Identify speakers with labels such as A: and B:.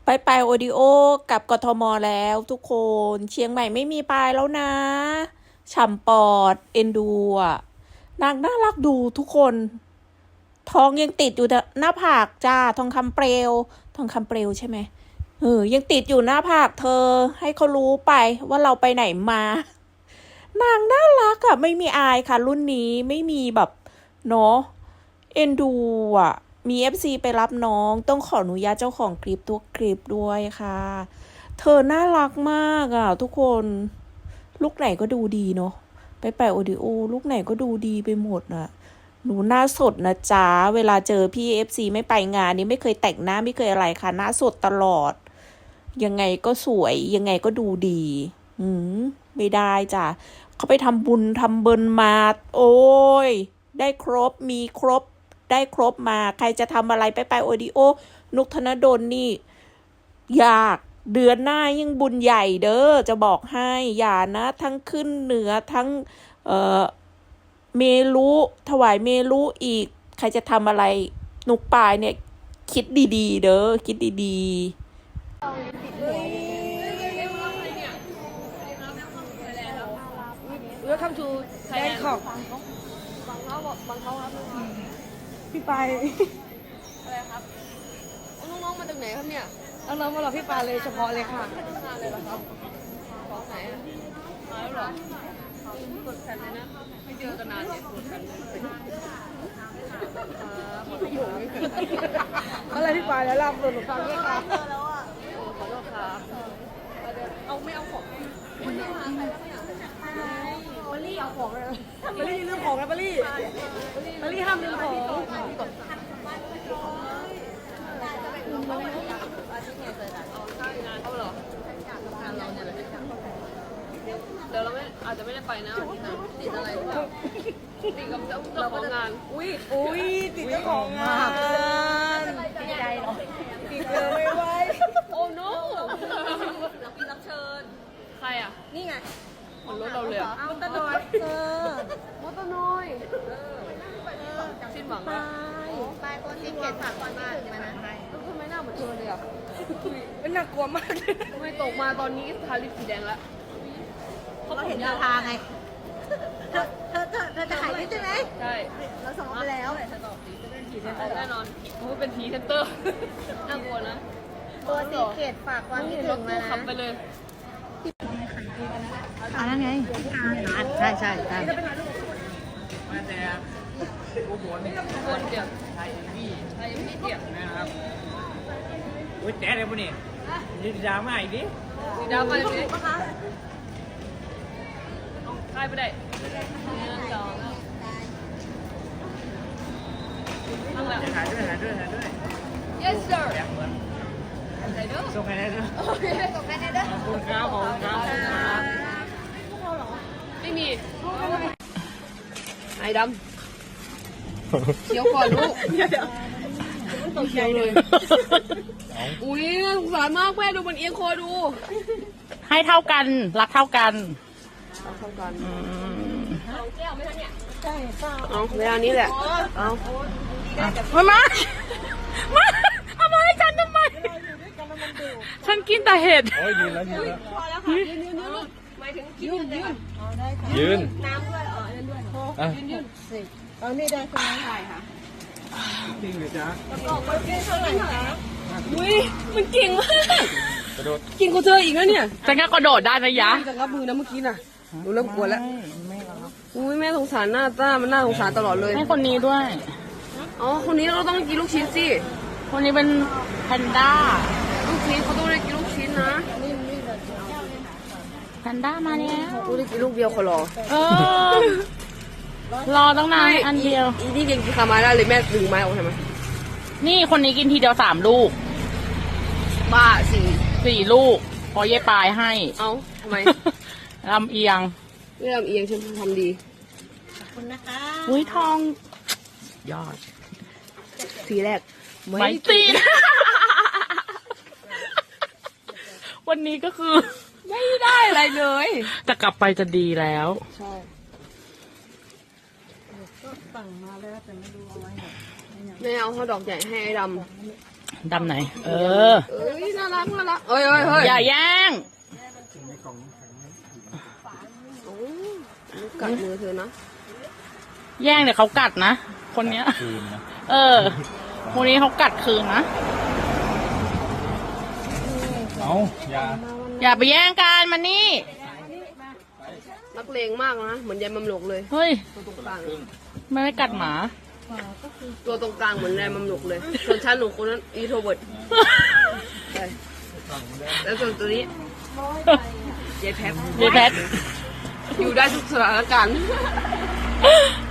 A: ไปโอดิโอกับกทมแล้วทุกคนเชียงใหม่ไม่มีปลายแล้วนะฉ่ำปอดเอ็นดูอ่ะนางน่ารักดูทุกคนท้องยังติดอยู่หน้าผากจ้าทองคำเปลวทองคำเปลวใช่ไหมยังติดอยู่หน้าผากเธอให้เขารู้ไปว่าเราไปไหนมานางน่ารักอะไม่มีอายค่ะรุ่นนี้ไม่มีแบบเนาะเอ็นดูอ่ะมีเอฟซีไปรับน้องต้องขออนุญาตเจ้าของคลิปตัวคลิปด้วยค่ะเธอน่ารักมากอ่ะทุกคนลูกไหนก็ดูดีเนาะไปโอดิโอลูกไหนก็ดูดีไปหมดน่ะหนูหน้าสดนะจ๊ะเวลาเจอพี่เอฟซีไม่ไปงานนี้ไม่เคยแต่งหน้าไม่เคยอะไรค่ะหน้าสดตลอดยังไงก็สวยยังไงก็ดูดีไม่ได้จ้ะเขาไปทำบุญทำเบินมาโอ้ยได้ครบมีครบได้ครบมาใครจะทำอะไรไปโอดิโอนุกธนดลนี่อยากเดือนหน้ายิ่งบุญใหญ่เด้อจะบอกให้อย่านะทั้งขึ้นเหนือทั้งเมรุถวายเมรุอีกใครจะทำอะไรนุกปายเนี่ยคิดดีๆเด้อคิดดีๆ
B: Welcome to Bangkok บางเขาครับพี่ไปอะไรครับน้องๆมาจากไหนครับเนี่ยน้องๆมาหรอพี่ปาเลยเฉพาะเลยค่ะมาเลยเหรอครับของไหนอ่ะมาแล้วเหรอกดแผ่นเลยนะไม่เจอกันนานเนี่ยกดแผ่นอะไรพี่ปาแล้วลำตัวหนูฟังด้วยครับขอโทษครับเอาไม่เอาของบลลี่เอาของเลยบลลี่ลืมของนะบลลี่ห้ามลืมของเขาเหรอเดี๋ยวเราไม่อาจจะไม่ได้ไปนะติดอะไรหรือเปล่าติดกับเจ้าของงานอุ้ยติดเจ้าของงานติดใจหรอติดเลยไว้โอ้โน้เรามีรับเชิญใครอ่ะนี่ไงรถเราเลยมอเตอร์น้อยมอเตอร์น้อยสิ้นหวังนะไปโปรตีเกตฝากก่อนมาถึงมานะทำไมหน้าเหมือนเธอเลยอ่ะเป็นน่ากลัวมากทำไมตกมาตอนนี้ทาลิปสีแดงแล้วเราเห็นดาราไงเธอจะขายนี่ใช่ไหมใช่เราส่งไปแล้วแน่นอนมันเป็นทีเซนเตอร์น่ากลัวนะโปรตีเกตฝากความคิดถึงมานะขับไปเลย
C: นั่นไงใช่
B: มาแต่โอ้โหนี่คนเดียวใช่พี่เดียวนะครับโอ้ยแจ๊ดเลยพวกนี้ยืนดราม่าอีกดิดราม่าอีกดิใครไปได้หาด้วย yes sir ส่งใครได้ด้วยโอเคส่งใครได้ด้วยขอบคุณครับไม่มีไอ้ดำเขียวก่อนลูกเขียวเลยอุ้ยสงสารมากแม่ดูมันเอียงคอดู
C: ให้เท่ากันรักเท่ากัน
B: เอาเวลานี้แหละเอา
C: มาเอามาให้ฉันทำไมฉันกินแต่เห็ด
D: โอ้ยยืนแล้ว
B: พอแล้วค่ะยืนหมายถึงยืนน้ำด้วยยืนเอานี่ได้คนนั้นถ่ายค่ะ
D: จริงหรือจ๊ะ
B: บอกไปเก่งเท่าไหร่คะอุ้ยมันเก่งมากกระโดดเก่งกว่าเธออีกนะเนี่ย
C: ฉันก็กระโดดได้นะยะ
B: จะงับมือนะเมื่อกี้น่ะดูเริ่มกลัวแล้วอุ้ยแม่สงสารหน้าตามันน่าสงสารตลอดเลย
C: ให้คนนี้ด้วย
B: อ๋อคนนี้เราต้องกินลูกชิ้นสิ
C: คนนี้เป็นแพนด้า
B: ลูกชิ้นเขาต้องได้กินลูกชิ้นนะ
C: แพนด้ามาแล้ว
B: เขาได้กินลูกเดียวเขารอ
C: รอตั้งนานอันเดียว
B: อีนี่กินคามาได้เลยแม่ดึงไม้ออกใช่ไหม
C: นี่คนนี้กินทีเดียว3 ลูก
B: บ้า
C: 4 ลูกพอเย่ปลายให้
B: เอ้าทำไม
C: ลำเอียง
B: ไม่ลำเอียงฉันทำดี
C: ขอบคุณนะคะอุ้ยทองยอด
B: ทีแรก
C: ไม่ตีนวันนี้ก็คือ
B: ไม่ได้อะไรเลย
C: จะกลับไปจะดีแล้ว
B: ใช่
C: ก็สั่งมาแล้วแต่ไม่รู้เอาไว้ไหน
B: แม่เอาข้าวดอกใหญ่ให้ไอ้ด
C: ำไหน
B: น่ารักน่ารักเฮ้ยเฮ้ยเฮ้ย
C: อย่าแย่ง
B: โอ้กัดมือเธอนะ
C: แย่งเดี๋ยวเขากัดนะ คนเนี้ย
D: คืนนะ
C: เออคนนี้เขากัดคืนนะ
D: เอาอย่า
C: อย่าไปแย่งกันมานี่
B: นักเลงมากนะเหมือนยายมัมหลกเลย
C: เฮ้ย
B: ตัวตรงกลาง
C: ไม่ได้กัดหมา
B: ตัวตรงกลางเหมือนยายมัมหลกเลยส่วนฉันหนูคนนั้นอีโทรเวิร์ดใช่แล้วส่วนตัวนี้ยายแพท
C: ยายแพท
B: อยู่ได้ทุกสถานการณ์